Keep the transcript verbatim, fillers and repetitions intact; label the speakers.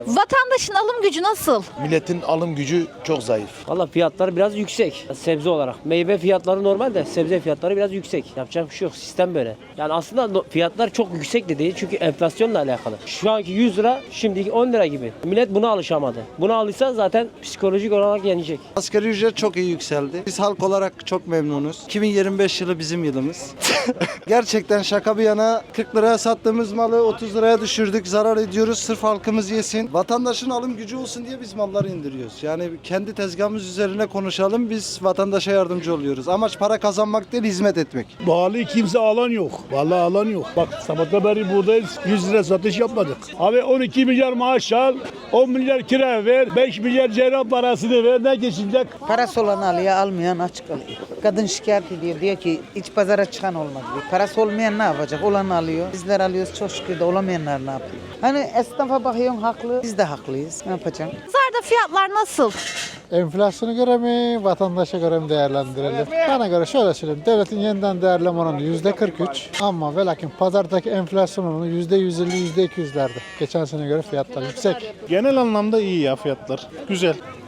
Speaker 1: Vatandaşın alım gücü nasıl?
Speaker 2: Milletin alım gücü çok zayıf.
Speaker 3: Valla fiyatlar biraz yüksek sebze olarak. Meyve fiyatları normal de sebze fiyatları biraz yüksek. Yapacak bir şey yok. Sistem böyle. Yani aslında no- fiyatlar çok yüksek de değil çünkü enflasyonla alakalı. Şu anki yüz lira şimdiki on lira gibi. Millet buna alışamadı. Buna alışsa zaten psikolojik olarak yenecek.
Speaker 4: Asgari ücret çok iyi yükseldi. Biz halk olarak çok memnunuz. iki bin yirmi beş yılı bizim yılımız. Gerçekten şaka bir yana kırk liraya sattığımız malı otuz liraya düşürdük. Zarar ediyoruz sırf halkımız yesin. Vatandaşın alım gücü olsun diye biz malları indiriyoruz. Yani kendi tezgahımız üzerine konuşalım. Biz vatandaşa yardımcı oluyoruz. Amaç para kazanmak değil, hizmet etmek.
Speaker 5: Pahalı kimse alan yok. Vallahi alan yok. Bak sabahta beri buradayız. yüz lira satış yapmadık. Abi on iki milyar maaş al, on milyar kira ver, beş milyar cerrah parasını ver. Ne geçecek?
Speaker 6: Parası olan alıyor, almayan açık alıyor. Kadın şikayet ediyor, diyor ki hiç pazara çıkan olmadı diyor. Parası olmayan ne yapacak? Olan alıyor. Bizler alıyoruz çok şükür de olamayanlar ne yapıyor? Hani esnafa bakıyorsun haklı, biz de haklıyız. Ne yapacağım?
Speaker 1: Pazarda fiyatlar nasıl?
Speaker 7: Enflasyona göre mi, vatandaşa göre mi değerlendirelim? Bana göre şöyle söyleyeyim. Devletin yeniden değerleme oranı yüzde kırk üç ama ve lakin pazardaki enflasyon oranı yüzde yüz elli yüzde iki yüzlerde. Geçen sene göre fiyatlar yüksek.
Speaker 8: Genel anlamda iyi ya fiyatlar. Güzel.